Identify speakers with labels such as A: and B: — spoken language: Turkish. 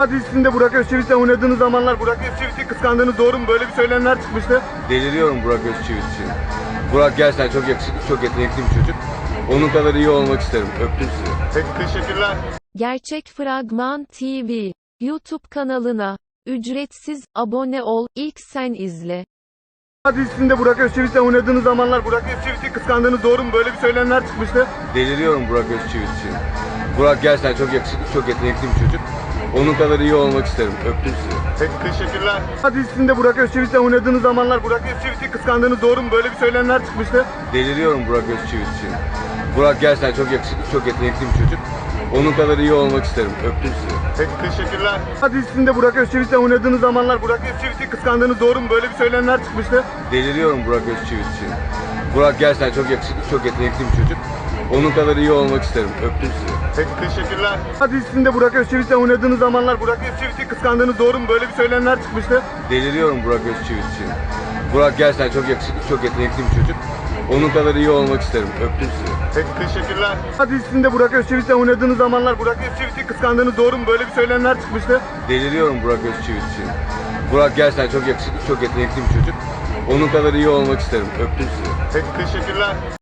A: Dizisinde Burak Özçivit'le oynadığınız zamanlar Burak Özçivit'i kıskandığınız doğru mu? Böyle bir söylemler çıkmıştı.
B: Deliriyorum Burak Özçivit için. Burak gerçekten çok yakışıklı, çok yetenekli bir çocuk. Onun kadar iyi olmak isterim. Öptüm sizi.
A: Peki, teşekkürler.
C: Gerçek Fragman TV YouTube kanalına ücretsiz abone ol, ilk sen izle.
A: Dizisinde Burak Özçivit'le oynadığınız zamanlar Burak Özçivit'i kıskandığınız doğru mu? Böyle bir söylemler çıkmıştı.
B: Deliriyorum Burak Özçivit için. Burak gerçekten çok yakışıklı, çok yetenekli bir çocuk. Onun kadar iyi olmak isterim. Öptüm sizi.
A: Peki, teşekkürler. Dizisinde Burak Özçivit'le oynadığınız zamanlar Burak Özçivit'i kıskandığınız doğru mu? Böyle bir söylemler çıkmıştı.
B: Deliriyorum Burak Özçivit için. Burak gerçekten çok yakışıklı, çok yetenekli bir çocuk. Onun kadar iyi olmak isterim. Öptüm sizi.
A: Peki, teşekkürler. Dizisinde Burak Özçivit'le oynadığınız zamanlar Burak Özçivit'i kıskandığınız doğru mu? Böyle bir söylemler çıkmıştı.
B: Deliriyorum Burak Özçivit için. Burak gerçekten çok yakışıklı, çok yetenekli bir çocuk. Onun kadar iyi olmak isterim. Öptüm sizi.
A: Peki, teşekkürler. Dizisinde Burak Özçivit'le oynadığınız zamanlar Burak Özçivit'i kıskandığınız doğru mu? Böyle bir söylemler çıkmıştı.
B: Deliriyorum Burak Özçivit için. Burak gerçekten çok yakışıklı, çok yetenekli bir çocuk. Onun kadar iyi olmak isterim. Öptüm sizi.
A: Peki, teşekkürler. Dizisinde Burak Özçivit'le oynadığınız zamanlar Burak Özçivit'i kıskandığınız doğru mu? Böyle bir söylemler çıkmıştı.
B: Deliriyorum Burak Özçivit için. Burak gerçekten çok yakışıklı, çok yetenekli bir çocuk. Onun kadar iyi olmak isterim. Öptüm sizi.
A: Peki, teşekkürler.